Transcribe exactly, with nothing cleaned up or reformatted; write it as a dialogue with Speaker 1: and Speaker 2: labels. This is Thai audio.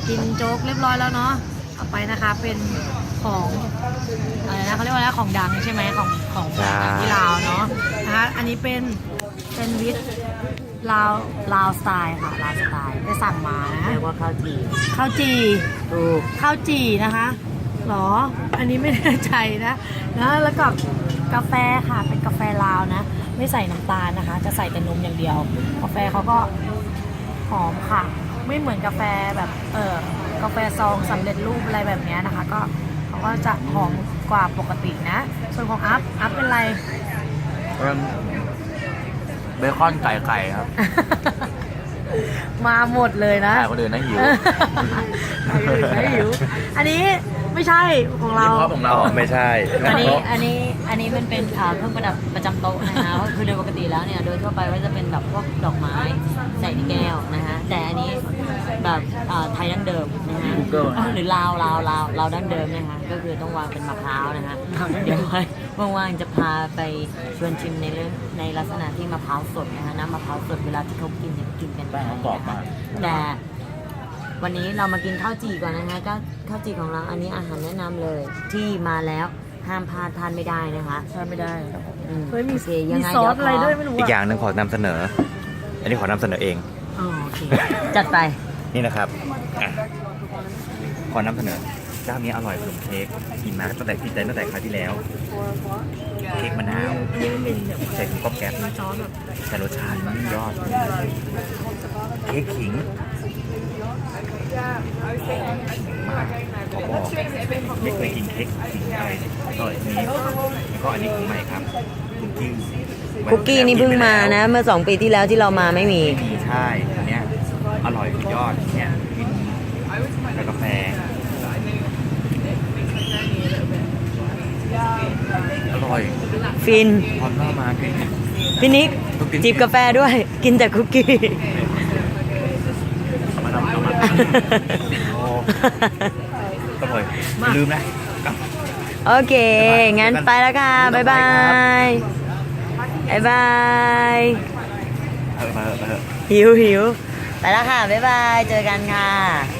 Speaker 1: กินโจ๊กเรียบร้อยแล้วเนาะต่อไปนะคะเป็นของอะไรนะเขาเรียกว่าอะไรของดังใช่ไหมของของที่ลาวเนาะนะคะอันนี้เป็นเป็นวิทลาวลาวสไตล์ค่ะลาวสไตล์ไปสั่งมานะ
Speaker 2: เรียกว่าข้าวจี่
Speaker 1: ข้าวจี่
Speaker 2: ถูก
Speaker 1: ข้าวจี่นะคะหรออันนี้ไม่แน่ใจนะนะแล้วก็กาแฟค่ะเป็นกาแฟลาวนะไม่ใส่น้ำตาลนะคะจะใส่แต่นมอย่างเดียวกาแฟเขาก็หอมค่ะไม่เหมือนกาแฟแบบเออกาแฟซองสำเร็จรูปอะไรแบบนี้นะคะก็เขาก็จะหอมกว่าปกตินะส่วนของอัพอัพเป็นไร
Speaker 3: เบคอนไก่ไก่ครับ
Speaker 1: มาหมดเลยนะ
Speaker 3: แต่คนอื่นนะหิว
Speaker 1: คนอื่นไม่หิวอันนี้ไม่ใช่ของเรา
Speaker 3: นี่เพราะของเราไม่ใช่
Speaker 2: อันนี้อันนี้อันนี้มันเป็นอ่าเครื่องประดับประจำโต๊ะนะคะก็คือโดยปกติแล้วเนี่ยโดยทั่วไปก็จะเป็นแบบพวกดอกไม้ใส่ในแก้วนะคะแต่อันนี้แบบอ่าไทยดั้งเดิมนะคะหรือลาวลาวลาวลาวดั้งเดิมนะคะก็คือต้องวางเป็นมะพร้าวนะคะเดี๋ยวไว้ว่างๆจะพาไปชวนชิมในเรื่องในลักษณะที่มะพร้าวสดนะคะน้ำมะพร้าวสดเวลาที่เขากินเนี่ยกินกัน
Speaker 3: แป้งเขากรอบมาก
Speaker 2: แต่วันนี้เรามากินข้าวจี่ก่อนนะคะก็ข้าวจี่ของเราอันนี้อาหารแนะนำเลยที่มาแล้วห้ามพลาดทานไม่ได้นะคะ
Speaker 1: ทานไม่ได้
Speaker 2: อืม
Speaker 1: เฮ้ยมี
Speaker 2: โอเคยั
Speaker 1: มี
Speaker 2: งไง
Speaker 1: ซอ
Speaker 2: เดี๋ย
Speaker 1: ส
Speaker 2: ว
Speaker 1: อะไร
Speaker 2: ขอ
Speaker 1: ด้วยไม่รู้
Speaker 3: อีกอ
Speaker 1: อะ
Speaker 3: ย่างหนึ่งขอนำเสนอ อันนี้ขอนำเสนอเอง
Speaker 2: อ๋อโอเคจัดไป
Speaker 3: นี่นะครับอ่ะขอนำเสนอเจ้านี้อร่อยขนมเค้กกินมาตั้งแต่กินได้ตั้งแต่คราวที่แล้ว เค้กมะนาว
Speaker 1: อันนี้มันเป็นแบบ
Speaker 3: ใส่ถุงก๊อบแก๊บ
Speaker 1: มีซอสแบบ
Speaker 3: แต่รสชาติมันยอด เค้กขิงมากขอบอกไม่เคยกินเค้กขิงอะไรอร่อยนี้แล้วก็อันนี้ของใหม่ครับคุกกี้
Speaker 2: คุกกี้นี่เพิ่งมานะ เมื่อสองปีที่แล้วที่เรามาไม่มี
Speaker 3: ไม่มีใช่อันเนี้ยอร่อยสุดยอดเนี่ยกินกับกาแฟอร่อย
Speaker 2: ฟิน
Speaker 3: พอเข้ามากิน
Speaker 2: พี่นิกจิบกาแฟด้วย กินแต่คุกกี้
Speaker 3: เอามาทำเอามาโอ้อร่อยอย่าลืมนะกลับ
Speaker 2: โอเค งั้นไปแล้วค่ะ บ๊ายบาย บ๊ายบาย
Speaker 3: เออมาเถอะมาเถอะ
Speaker 2: หิวหิวไปแล้วค่ะ บ๊ายบาย เจอกันค่ะ